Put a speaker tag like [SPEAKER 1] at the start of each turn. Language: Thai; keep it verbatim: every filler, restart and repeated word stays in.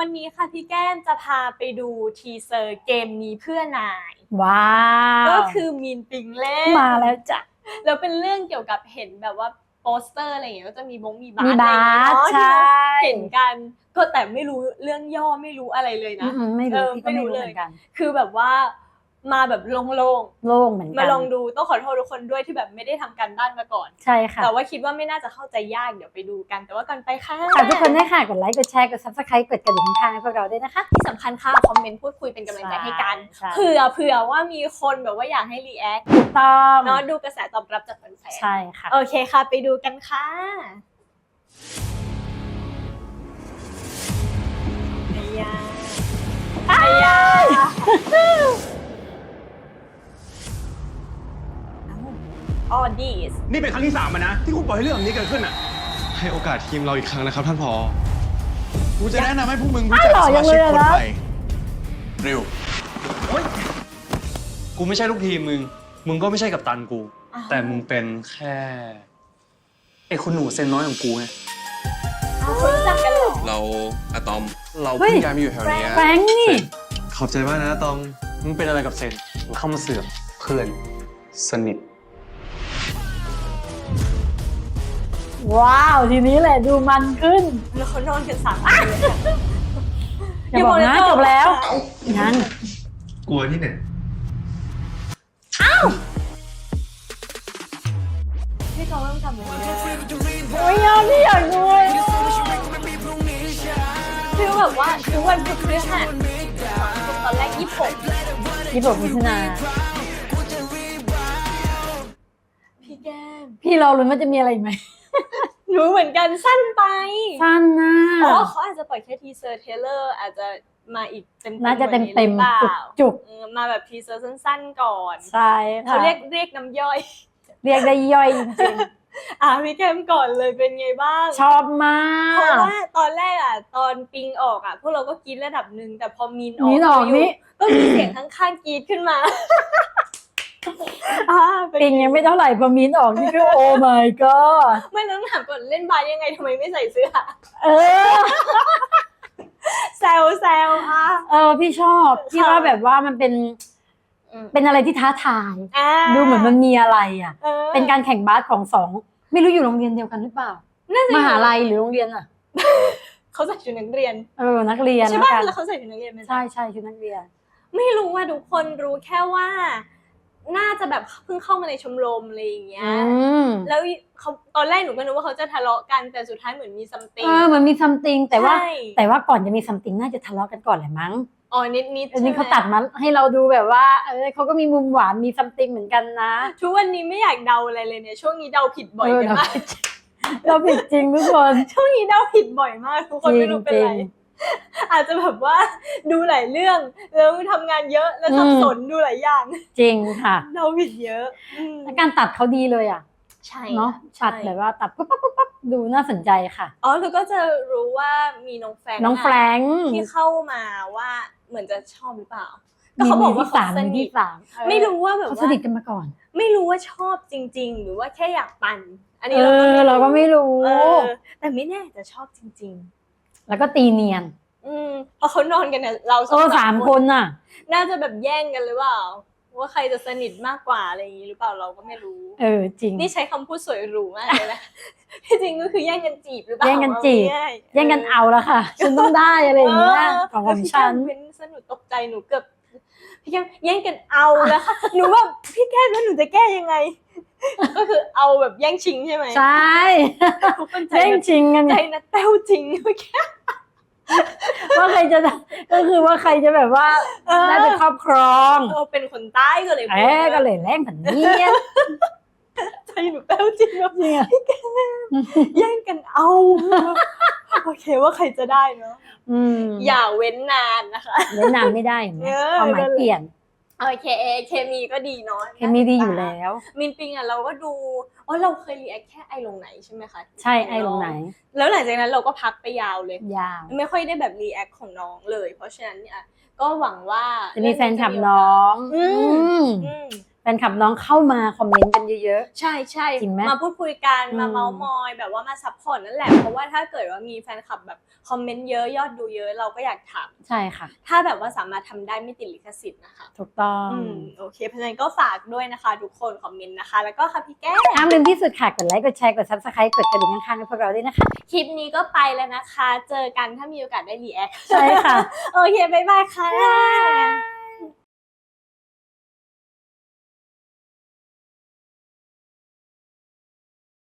[SPEAKER 1] วันนี้ค่ะพี่แก้มจะพาไปดูทีเซอร์เกมนี้เพื่อนาย
[SPEAKER 2] ว้าว
[SPEAKER 1] ก็คือมีนปิงเล่น
[SPEAKER 2] มาแล้วจ้ะ
[SPEAKER 1] แล้วเป็นเรื่องเกี่ยวกับเห็นแบบว่าโปสเตอร์อะไรอย่างเงี้ยก็จะมีบงมีบาส
[SPEAKER 2] มี
[SPEAKER 1] อะไร
[SPEAKER 2] บา
[SPEAKER 1] อย่างเงี้ย
[SPEAKER 2] สใช่
[SPEAKER 1] เห็นกันก็แต่ไม่รู้เรื่องย่อไม่รู้อะไรเลยนะ
[SPEAKER 2] อืมไม่รู้
[SPEAKER 1] เออ
[SPEAKER 2] พี่ก็
[SPEAKER 1] ไม่
[SPEAKER 2] ไม่
[SPEAKER 1] รู้
[SPEAKER 2] รู้
[SPEAKER 1] เล
[SPEAKER 2] เห
[SPEAKER 1] ย
[SPEAKER 2] มือนกัน
[SPEAKER 1] คือแบบว่ามาแบบโล่ง
[SPEAKER 2] โล่งเหมือน
[SPEAKER 1] ๆ
[SPEAKER 2] กั
[SPEAKER 1] มาน ลองดูต้องขอโทษทุกคนด้วยที่แบบไม่ได้ทำการบ้านมาก่อน
[SPEAKER 2] ใช่ค่ะ
[SPEAKER 1] แต่ว่าคิดว่าไม่น่าจะเข้าใจยากเดี๋ยวไปดูกันแต่ว่าก่อนไปค่ะ
[SPEAKER 2] ฝากทุกคนด้วยค่ะกดไลค์กดแชร์กด ซับสไครบ์ กดกระดิ่งข้างๆให้พวกเราด้วยนะคะ
[SPEAKER 1] ที่สำคัญค่ะคอมเมนต์พูดคุยเป็นกำลังใจให้กัน
[SPEAKER 2] ใช่
[SPEAKER 1] เผื่อเผื่อว่ามีคนแบบว่าอยากให้รีแอค
[SPEAKER 2] ถูกต้อง
[SPEAKER 1] เนาะดูกระแสตอบรับจากแฟน
[SPEAKER 2] ใช่ค่ะ
[SPEAKER 1] ๆโอเคค่ะไปดูกันค่ะไอ้ยาไอ้ยาออดีส
[SPEAKER 3] นี่เป็นครั้งที่สามนะที่คุณปล่อยให้เรื่องแบบนี้เกิดขึ้นอ่ะ
[SPEAKER 4] ให้โอกาสทีมเราอีกครั้งนะครับท่านผอ
[SPEAKER 3] กูจะแนะนำให้พวกมึงรู้จักสมาชิกคนใหม่เร็ว
[SPEAKER 4] กูไม่ใช่ลูกทีมมึง มึงก็ไม่ใช่กัปตันกู แต่มึงเป็นแค่ไอ้คุณหนูเซนน้อยของกูไง
[SPEAKER 1] อ้าวคุณรู้จักกันเหรอ
[SPEAKER 3] เราอะตอม เรา
[SPEAKER 2] เฮ้
[SPEAKER 3] เพิ่
[SPEAKER 2] ย
[SPEAKER 3] งย้ายมาอยู่แถวนี้
[SPEAKER 2] แฟรงค์นี่
[SPEAKER 4] ขอบใจมากนะตอง มึงเป็นอะไรกับเซนมึงเข้ามาเสือกเพื่อนสนิท
[SPEAKER 2] ว้าวทีนี้แหละดูมันขึ้น
[SPEAKER 1] แล้วเขานอนกันสามคน
[SPEAKER 2] อย่าบอกนะจบแล้วงั้น
[SPEAKER 4] กลัวที่ไหน
[SPEAKER 1] พี่เขาต้องทำอะไรเนี่ย
[SPEAKER 2] โอ้ยยอมพี่อยากดูเลย
[SPEAKER 1] คือแบบว่าทุกวันพุธพฤหัสตอนแรกยี่สิบหก
[SPEAKER 2] ยี่สิบหกมิถุนา
[SPEAKER 1] พี่แก้ม
[SPEAKER 2] พี่รอลุ้นว่าจะมีอะไรอีกไหม
[SPEAKER 1] รู้เหมือนกันสั้นไป
[SPEAKER 2] สั้นนะ
[SPEAKER 1] อ๋อเขาอาจจะปล่อยแค่ทีเซอร์เทเลอร์อาจจะมาอีกเต็มๆ
[SPEAKER 2] น่าจะเต็มเต็ม
[SPEAKER 1] กว่านี้หรือเป
[SPEAKER 2] จุก
[SPEAKER 1] ล่า
[SPEAKER 2] จุก
[SPEAKER 1] เออมาแบบทีเซอร์สั้นๆก่อน
[SPEAKER 2] ๆใช่ค่ะ
[SPEAKER 1] เขาเรียกเรียกน้ำย่อย
[SPEAKER 2] เรียกได้ย่อยจริง
[SPEAKER 1] อ่ะพี่แก้มก่อนเลยเป็นไงบ้าง
[SPEAKER 2] ๆชอบมา
[SPEAKER 1] เพราะ
[SPEAKER 2] ก
[SPEAKER 1] ว่าตอนแรกอ่ะตอนปิงออกอ่ะพวกเราก็กรีดระดับหนึ่งแต่พอมีนออก
[SPEAKER 2] มีนออก
[SPEAKER 1] ยู่
[SPEAKER 2] นี่
[SPEAKER 1] ก็มีเสียงข้างๆกรีดขึ้นมาอ่าเป็น
[SPEAKER 2] ปิงยังไม่เท่าไหร่พอมีนออกนี่ก็โอ้ my god
[SPEAKER 1] ไม่ต้องถามก่อนเล่นบาสยังไงทำไมไม่ใส่เสื้อ
[SPEAKER 2] เออ
[SPEAKER 1] แซวแซวอ่ะ
[SPEAKER 2] เออพี่ชอบพี่ว่าแบบว่ามันเป็น
[SPEAKER 1] อืม
[SPEAKER 2] เป็นอะไรที่ท้าทาย
[SPEAKER 1] อ่า
[SPEAKER 2] ดูเหมือนมันมีอะไรอ่ะ
[SPEAKER 1] ออ
[SPEAKER 2] เป็นการแข่งบาสของสองไม่รู้อยู่โรงเรียนเดียวกันหรือเปล่า
[SPEAKER 1] น่าจะ
[SPEAKER 2] มหาลัยหรือโรงเรียนอ่ะ
[SPEAKER 1] เขาใส่ชุดนักเรียน
[SPEAKER 2] เออนักเรียน
[SPEAKER 1] ใช่
[SPEAKER 2] นะ
[SPEAKER 1] ป่ะ
[SPEAKER 2] คะ
[SPEAKER 1] แล้วเขาใส่ชุดนักเรียนไหม
[SPEAKER 2] ใช่ใช่ชุดนักเรียน
[SPEAKER 1] ไม่รู้ว่าทุกคนรู้แค่ว่า น่าจะแบบเพิ่งเข้ามาในชมรมอะไรอย่างเงี้ย
[SPEAKER 2] อืม
[SPEAKER 1] แล้วเขาตอนแรกหนูก็นึกว่าเขาจะทะเลาะกันแต่สุดท้ายเหมือนมีซัมติง
[SPEAKER 2] เออเหมือนมีซัมติงแต่ว่า
[SPEAKER 1] ใช่
[SPEAKER 2] แต่ว่าก่อนจะมีซัมติงน่าจะทะเลาะกันก่อนแหละมั้ง
[SPEAKER 1] อ๋อนิดนิด
[SPEAKER 2] อันนี้เขาตัดมาให้เราดูแบบว่าเออเขาก็มีมุมหวานมีซัมติงเหมือนกันนะ
[SPEAKER 1] ทุกวันนี้ไม่อยากเดาอะไรเลยเนี่ยช่วงนี้เดาผิดบ่อย
[SPEAKER 2] เออ
[SPEAKER 1] กันมาก
[SPEAKER 2] เราผิดจริงทุกคน
[SPEAKER 1] ช่วงนี้เดาผิดบ่อยมากทุกคน
[SPEAKER 2] จริง
[SPEAKER 1] ไม่รู้เป็นไร
[SPEAKER 2] จริง
[SPEAKER 1] อาจจะแบบว่าดูหลายเรื่องแล้วทำงานเยอะแล้วสับสนดูหลายอย่าง
[SPEAKER 2] จริงค่ะ
[SPEAKER 1] เดาผิดเยอะอืม
[SPEAKER 2] แล้วการตัดเขาดีเลยอ่ะ
[SPEAKER 1] ใช่
[SPEAKER 2] เนาะ
[SPEAKER 1] ใช่
[SPEAKER 2] ตัดแบบว่าตัดปุ๊บปั๊บปุ๊บปั๊บดูน่าสนใจค่ะ
[SPEAKER 1] อ๋อแล้วก็จะรู้ว่ามีน้องแฟรงค์
[SPEAKER 2] น้อง
[SPEAKER 1] ะ
[SPEAKER 2] แฟรงค์
[SPEAKER 1] ที่เข้ามาว่าเหมือนจะชอบหรือเปล่า ก็เขาบอกว่า
[SPEAKER 2] ที่
[SPEAKER 1] เขา
[SPEAKER 2] สาม
[SPEAKER 1] ส
[SPEAKER 2] มี
[SPEAKER 1] นิท
[SPEAKER 2] ที่สามเออ
[SPEAKER 1] ไม่รู้ว่าแบบ
[SPEAKER 2] เขา
[SPEAKER 1] ว่า
[SPEAKER 2] สนิทกันมาก่อน
[SPEAKER 1] ไม่รู้ว่าชอบจริง ๆ หรือว่าแค่อยากปั่น อันนี้
[SPEAKER 2] เออเราก็ไม่รู้
[SPEAKER 1] เออแต่ไม่แน่จะชอบจริง
[SPEAKER 2] แล้วก็ตีเนียน
[SPEAKER 1] ๆ อืมเพราะเขานอนกันเนี่ยเราส
[SPEAKER 2] โอ้
[SPEAKER 1] อง
[SPEAKER 2] สามคนน่ะ
[SPEAKER 1] น่าจะแบบแย่งกันหรือเปล่าว่าใครจะสนิทมากกว่าอะไรอย่างนี้หรือเปล่าเราก็ไม่รู้
[SPEAKER 2] เออจริง
[SPEAKER 1] นี่ใช้คำพูดสวยหรูมากเลยนะ ที่จริงก็คือแย่งกันจีบหรือเปล่า
[SPEAKER 2] แย่งกันจีบ
[SPEAKER 1] เอาง่ายๆ
[SPEAKER 2] แย่งกันเอาแล้วค่ะฉันต้องได้อะไรอย่างเงี้ยของของฉัน
[SPEAKER 1] แล้วพี่แก้มเป็นสนุกตกใจหนูเกือบพี่แก้มแย่งกันเอาแล้วค่ะ หนูแบบพี่แก้มแล้วหนูจะแก้ยังไง ก็คือเอาแบบแย่งชิงใช่ไหม
[SPEAKER 2] ใช่
[SPEAKER 1] ทุกคนใจ
[SPEAKER 2] แย่ง
[SPEAKER 1] นัด
[SPEAKER 2] ชิงกัน
[SPEAKER 1] ใจ
[SPEAKER 2] ไง
[SPEAKER 1] นัดแต้วจริงเมื่อกี้
[SPEAKER 2] ว่าใครจะก็คือว่าใครจะแบบว่า
[SPEAKER 1] เออ
[SPEAKER 2] ได้เป็นครอบครอง
[SPEAKER 1] เออเป็นคนใต้ก็เลย
[SPEAKER 2] เอ๊ก็เลยแรงผันเนี้ย
[SPEAKER 1] ใจหนูแต้วจริงแบบ
[SPEAKER 2] เนี่ย
[SPEAKER 1] แย่งกันเอาโอเคว่าใครจะได้เนาะ
[SPEAKER 2] อืม
[SPEAKER 1] อย่าเว้นนานนะคะ
[SPEAKER 2] เล่นนานไม่ได้เห็นไหม
[SPEAKER 1] เออ
[SPEAKER 2] ความหมายเปลี่ยน
[SPEAKER 1] โอเคเคมีก็ดีเนาะ
[SPEAKER 2] เคมีดีอยู่แล้ว
[SPEAKER 1] มินปิงอ่ะเราก็ดูอ๋อเราเคยรีแอคแค่ไอลงไหนใช่ไหมคะ
[SPEAKER 2] ใช่ไอ้ลงไหน
[SPEAKER 1] แล้วหลังจากนั้นเราก็พักไปยาวเลย
[SPEAKER 2] ยาว
[SPEAKER 1] ไม่ค่อยได้แบบรีแอคของน้องเลย เพราะฉะนั้นเนี่ยก็หวังว่า
[SPEAKER 2] จะมีแฟนคลับน้อง
[SPEAKER 1] อืม
[SPEAKER 2] อืม
[SPEAKER 1] อืม
[SPEAKER 2] แฟนคลับน้องเข้ามาคอมเมนต์กันเยอะ
[SPEAKER 1] ใช่ใช่
[SPEAKER 2] จริงไหม
[SPEAKER 1] มาพูดคุยกัน
[SPEAKER 2] อืม
[SPEAKER 1] มาเมาส์มอยแบบว่ามาซัพพอร์ตนั่นแหละ เพราะว่าถ้าเกิดว่ามีแฟนคลับแบบคอมเมนต์เยอะยอดดูเยอะเราก็อยากถาม
[SPEAKER 2] ๆ ใช่ค่ะ
[SPEAKER 1] ถ้าแบบว่าสามารถทำได้ไม่ติดลิขสิทธิ์นะคะ
[SPEAKER 2] ถูกต้อง
[SPEAKER 1] อืมโอเคเพราะฉะนั้นก็ฝากด้วยนะคะทุกคนคอมเมนต์นะคะ แล้วก็ค่ะพี่แก้ว
[SPEAKER 2] ห้ามลืมที่สุดค่ะ กดไลค์ กดแชร์ กด ซับสไครบ์ กดกระดิ่งข้างๆให้พวกเราด้วยนะคะ
[SPEAKER 1] คลิปนี้ก็ไปแล้วนะคะ เจอกันถ้ามีโอกาสได้รีแอค
[SPEAKER 2] ใช่ค่ะ
[SPEAKER 1] โอเคบ๊ายบายค่ะ